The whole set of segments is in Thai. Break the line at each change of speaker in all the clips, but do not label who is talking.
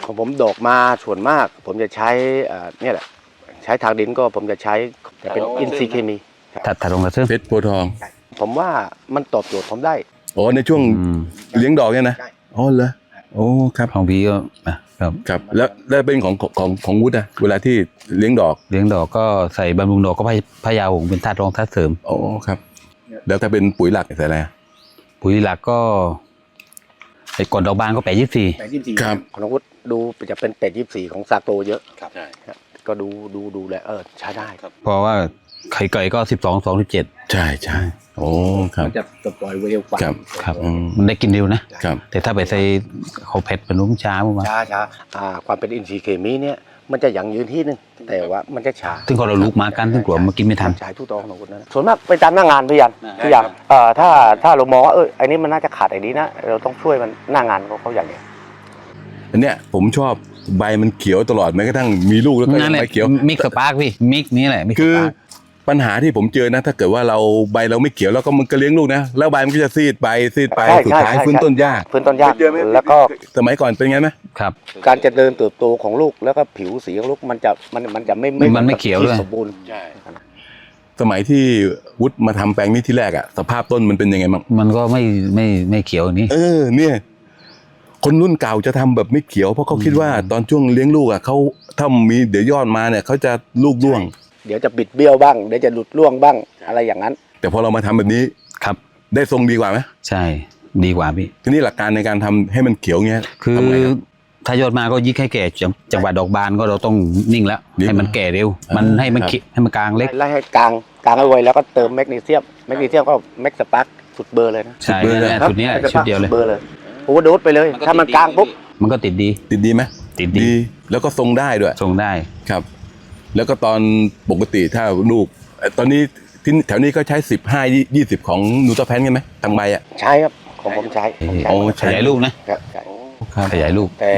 ของผมดอกมาส่วนมากผมจะใช้เนี่ยแหละใช้ทางดินก็ผมจะใช้แต่เป็นอินทรีย์เคมี
ถัดลงกระซึ่ง
เพชรโพธิ์ทอง
ผมว่ามันตอบโจทย์ผมได้
อ๋อในช่วงเลี้ยงดอกเนี่ยนะ
ใช่
อ๋อเหรอโอ้ครับ
ของพี่ก็ครับ
ครับแล้วเป็นของวุฒิอะเวลาที่เลี้ยงดอก
เลี้ยงดอกก็ใส่บำรุงดอกก็พญาหงส์เป็นธาตุรองธาตุเสริม
อ๋อครับ แล้วถ้าเป็นปุ๋ยหลักใส่อะไรอะ
ปุ๋ยหลักก็ไอ้ก่อนดอกบานก็824
ครับ
ของน้องวุฒิดูจะเป็น824ของซาโตเยอะครับก็ดูแลใช้ได้
เพราะว่าไข่ไก่ก็12 27
ใช่ใช่โอ้ครับ
มันจะปล่อยเร็วกว่า
ครับ
ครับมันได้กินเร็วนะ
ครับ
แต่ถ้าไปใส่ข้าวเผ็ดเป็นนุ่มช้าประมาณ
ช้าความเป็นอินทรีย์เคมีเนี่ยมันจะยังยืนที่นึงแต่ว่ามันจะช้า
ซึ่งพอเราลุกมากันซึ่งกลัวมากินไม่ทัน
ใช้ทุกตองของคนนั้นส่วนมากไปตามหน้างานพี่ยันพี่ยันถ้าเรามองว่าไอ้นี้มันน่าจะขาดไอ้นี้นะเราต้องช่วยมันหน้างานเขาอย่างเนี้ย
อันเนี้ยผมชอบใบมันเขียวตลอดแม้กระทั่งมีลูกแล้วก็
นั่นแหละ
ใบเขียว
มิกสปาร์กพี่มิกนี้แหละมิกส
คือ
ปาร์ก
ปัญหาที่ผมเจอนะถ้าเกิดว่าเราใบเราไม่เขียวแล้วก็มันก็เลี้ยงลูกนะแล้วใบมันก็จะซีดไปสุดท้ายฟื้นต้นยาก
พื้นต้นยากแล้วก็
สมัยก่อนเป็นไงไหม
ครับ
การจะเดินเติบโตของลูกแล้วก็ผิวสีของลูกมันจะไม่
มันไม่เขียวด้วย
สมบูรณ์
สมัยที่วุฒิมาทำแปลงนี้ที่แรกอะสภาพต้นมันเป็นยังไงบ้าง
มันก็ไม่เขียวอย่างนี้
เนี่ยคนรุ่นเก่าจะทำแบบไม่เขียวเพราะเขาคิดว่าตอนช่วงเลี้ยงลูกอะเขาถ้ามีเดี๋ยวยอดมาเนี่ยเขาจะลูกร่วง
เดี๋ยวจะบิดเบี้ยวบ้างเดี๋ยวจะหลุดร่วงบ้างอะไรอย่างนั้น
แต่พอเรามาทำแบบนี้
ครับ
ได้ทรงดีกว่าไหม
ใช่ดีกว่าพี่
ทีนี้หลักการในการทำให้มันเขียวเงี้ย
คือ
ทำไงรับ
ถ้ายอดมาก็ยิกให้แก่จังหวะดอกบานก็เราต้องนิ่งแล้ว
นิ่ง
ให้มันแก่เร็ว มันให้มัน
ครับ
ให้มันกลางเล็ก
ไล่ให้กลางให้ไวแล้วก็เติมแมกนีเซียมก็แม็กสปาร์กสุดเบอร์เลยนะ
ใช่ชุดนี้ชุดเดียวเลย
เบอร์เลยโอเวอร์โดสไปเลยถ้ามันกลางปุ๊บ
มันก็ติดดี
ติดดีไหม
ติดดี
แล้วก็ทรงได้ด้วย
ทรงได้
ครับ แล้วก็ตอนปกติถ้าลูกตอนนี้ที่แถวนี้ก็ใช้15-20ของนูตาแพนกันไหมทางใบอ่ะ
ใช้ครับของผมใช้
โอ้
ขยายลูกนะ
ใช่
ครับ
ขยายลูก
แต่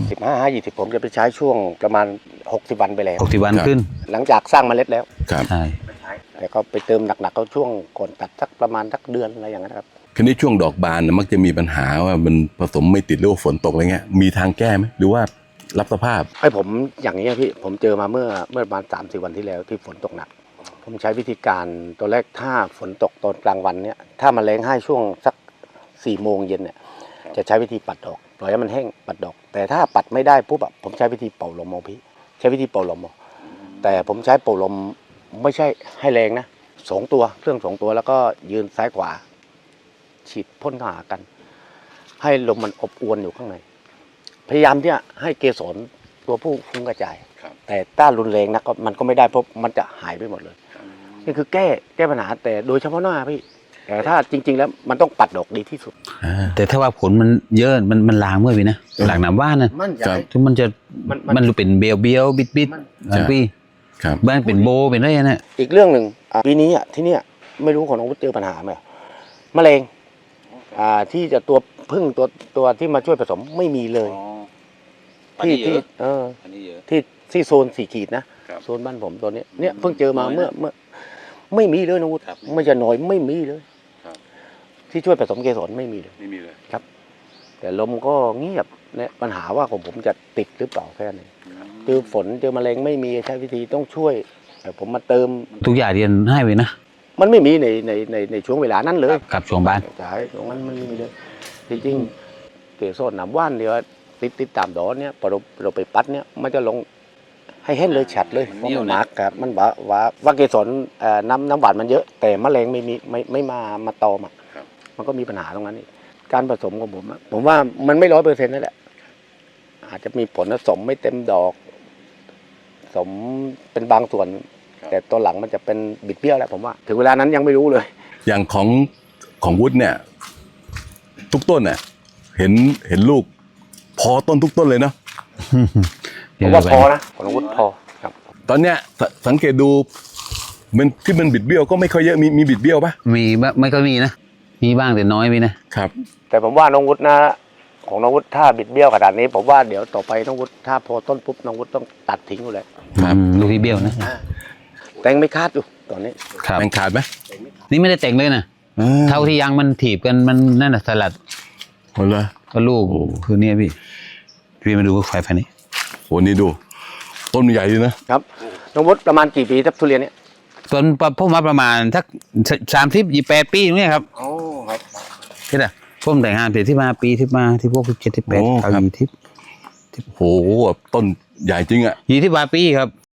15-20ผมจะไปใช้ช่วงประมาณ60 วันไปแล้ว
60 วัน
ครับ
ขึ้น
หลังจากสร้างเมล็ดแล้ว
ครับ
ใช่
แต่ก็ไปเติมหนักๆก็ช่วงก่อนตัดสักประมาณสักเดือนอะไรอย่างนั้นครับ
คืนนี้ช่วงดอกบานน่ะมักจะมีปัญหาว่ามันผสมไม่ติดหรือว่าฝนตกอะไรเงี้ยมีทางแก้ไหมหรือว่ารับสภาพ
ไอ้ผมอย่างนี้พี่ผมเจอมาเมื่อประมาณ3-4 วันที่แล้วที่ฝนตกหนัก ผมใช้วิธีการตัวแรกถ้าฝนตกตอนกลางวันเนี่ยถ้ามันแรงให้ช่วงสัก4 โมงเย็นเนี่ยจะใช้วิธีปัดดอกปล่อยให้มันแห้งปัดดอก แต่ถ้าปัดไม่ได้ปุ๊บอะผมใช้วิธีเป่าลมเอาพี่ใช้วิธีเป่าลมเอาแต่ผมใช้เป่าลมไม่ใช่ให้แรงนะ2 ตัวเครื่อง2 ตัวแล้วก็ยืนซ้ายขวาฉีดพ่นเข้าหากัน ให้ลมมันอบอวนอยู่ข้างในพยายามที่จะให้เกสรตัวผู้ฟุ้งกระจายแต่ถ้ารุนแรงนะก็มันก็ไม่ได้เพราะมันจะหายไปหมดเลยนี่คือแก้ปัญหาแต่โดยเฉพาะหน้าพี่แต่ถ้าจริง ๆ แล้วมันต้องปัดดอกดีที่สุด
แต่ถ้าว่าผลมันเยอะมันลางเมื่อพี่นะหลังน้ำว่านนะ
มั่นใจ
ที่มันจะ
มัน
รู้เป็นเบียวบิด
มัน
พี่
ครับ
บ้านเป็นโบเป็นอะไรนะ
อีกเรื่องหนึ่งปีนี้ที่เนี่ยไม่รู้ของน้องวุฒิเจอปัญหาไหมมะเร็งที่จะตัวพึ่งตัวที่มาช่วยผสมไม่มีเลยที่โซน4 ขีดนะโซนบ้านผมตัวนี้เนี่ยเพิ่งเจอมาเมื่อไม่มีเลยน้องวุฒิไม่จะน้อยไม่มีเลยที่ช่วยผสมเกสรไม่มีเลยครับ แต่ลมก็เงียบเนี่ยปัญหาว่าของผมจะติดหรือเปล่าแค่นั้นเจอฝนเจอแมลงไม่มีใช้วิธีต้องช่วยแต่ผมมาเติม
ทุกอย่างเรียนให้ไปนะ
มันไม่มีในช่วงเวลานั้นเลย
กับช่วงบ้าน
ใช่ตรงนั้นมันไม่มีเลยจริงๆเกสรน้ำว่านเดียวติดตามดอกเนี่ยพอเราไปปัดเนี่ยมันจะลงให้เห็นเลยฉัดเลยเพราะมันหนักครับมันว่าเกสรน้ำหวานมันเยอะ แต่แมลงไม่มาตอมมันก็มีปัญหาตรงนั้นอีกการผสมของผมว่ามันไม่100%นั่นแหละอาจจะมีผลผสมไม่เต็มดอกสมเป็นบางส่วน แต่ตัวหลังมันจะเป็นบิดเบี้ยวแล้วผมว่าถึงเวลานั้นยังไม่รู้เลย
อย่างของวุฒิเนี่ย ทุกต้นเนี่ยเห็นลูก พอต้นทุกต้นเลยเนาะ
ผมว่าพอนะของวุฒิพอครับ
ตอนเนี้ยสังเกตดูมันที่มันบิดเบี้ยวก็ไม่ค่อยเยอะมีบิดเบี้ยวปะ
มีไม่ก็มีนะมีบ้างแต่น้อยมีนะครับ
แต่ผมว่าน้องวุฒินะของน้องวุฒิถ้าบิดเบี้ยวขนาดนี้ผมว่าเดี๋ยวต่อไปน้องวุฒิถ้าพอต้นปุ๊บน้องวุฒิต้องตัดทิ้งอยู่เลย
ลูกที่เบี้ยวนะ
แต่งไม่คาดอยู่ตอนนี้
ครับ
แมงขาดไหม
นี่ไม่ได้แต่งเลยนะเท่าที่ยังมันถีบกันมันนั่นน่ะสลัด
หมดเลย
ก็ลูกคือเนี่ยพี่พี่มาดูไฟนี้
โหนี่ดูต้นมันใหญ่ดีนะครับ
น้องวุฒิประมาณกี่ปีครับทุเรียนเนี่ย
ส่วนผมมาประมาณสัก30-28 ปีอย่างเงี้ยครับ
โอ้ครับ
ที่ไหนผมแต่งงานเปลี่ยนที่มาปีที่มาที่พวก7-8เอา20
โหต้นใหญ่จริงอ่ะ
20 ปีครับ